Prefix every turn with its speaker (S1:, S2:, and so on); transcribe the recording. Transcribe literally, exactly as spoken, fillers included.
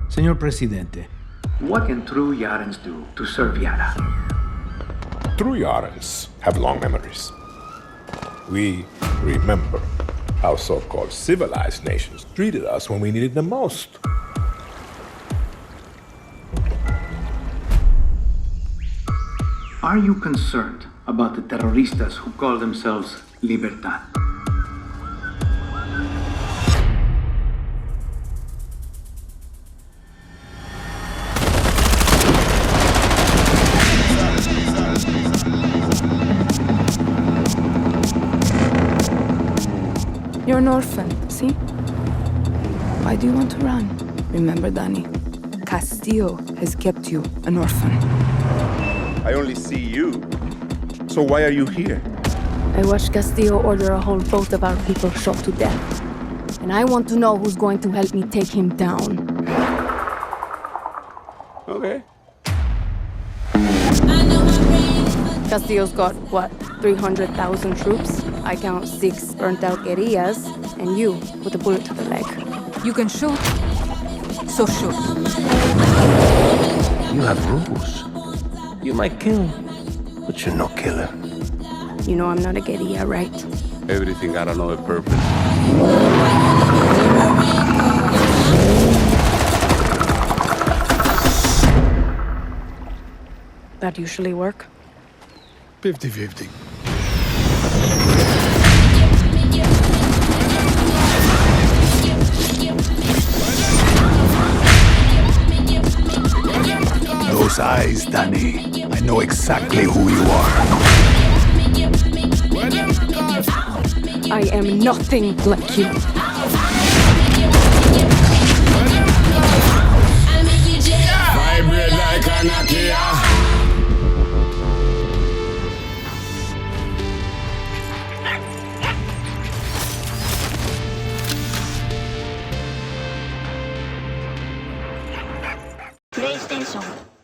S1: Señor Presidente,
S2: what can true Yarans do to serve Yara?
S3: True Yarans have long memories. We remember how so-called civilized nations treated us when we needed them most.
S2: Are you concerned about the terroristas who call themselves Libertad?
S4: You're an orphan, see? Why do you want to run? Remember, Dani, Castillo has kept you an orphan.
S5: I only see you. So why are you here?
S4: I watched Castillo order a whole boat of our people shot to death. And I want to know who's going to help me take him down.
S5: Okay.
S4: Castillo's got, what, three hundred thousand troops? I count six burnt-out guerrillas, and you with a bullet to the leg.
S6: You can shoot, so shoot.
S7: You have rules. You might kill, but you're no killer.
S4: You know I'm not a guerrilla, right?
S5: Everything got another purpose.
S4: That usually work?
S8: fifty fifty. Those eyes, Dani. I know exactly who you are.
S4: I am nothing like you.
S8: Vibrate like a Nokia.
S9: PlayStation